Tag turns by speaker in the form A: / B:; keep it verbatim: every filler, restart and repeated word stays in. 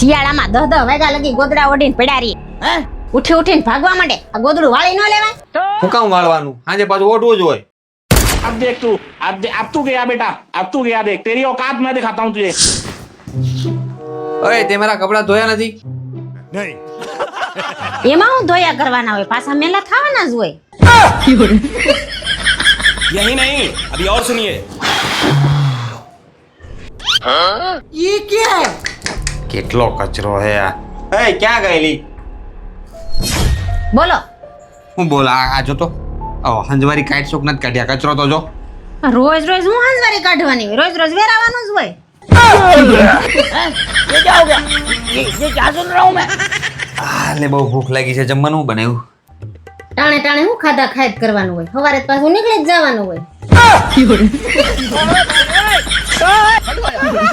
A: શિયાળામાં દહ દહ વાગ્યા લગી ગોદડા ઓઢીને પડ્યા રહીએ હે ઉઠી ઉઠીને ભાગવા માંડે આ ગોદડું વાળી ન લેવાય
B: હું કામ વાળવાનું આજે પાછું ઓઢવું જ હોય
C: अब देख तू अब दे, अब तू गया बेटा अब तू गया देख तेरी औकात मैं दिखाता हूँ तुझे
B: ओए તે મારા કપડા ધોયા નથી
A: એમાં હું ધોયા કરવાના હોય પાછા મેલા થવાના જ હોય
D: यही नहीं अभी और सुनिए
A: ये क्या है
B: કેટલો કચરો હે આ એ ક્યાં ગયેલી
A: બોલો
B: હું બોલ આ આ જો તો ઓ હંજવારી કાઈટ શોક નથી કાઢ્યા કચરો તો જો
A: રોજ રોજ હું હાંજવારી કાઢવાની હોય રોજ રોજ વેરાવાનું જ હોય
C: ये क्या हो गया ये ये क्या सुन रहा हूँ मैं
B: આ લે બહુ ભૂખ લાગી છે જમવાનું હું બનાવ્યું
A: ટાણે ટાણે હું ખાધા ખાય જ કરવાનું હોય સવારે પાછું નીકળી જ જવાનું હોય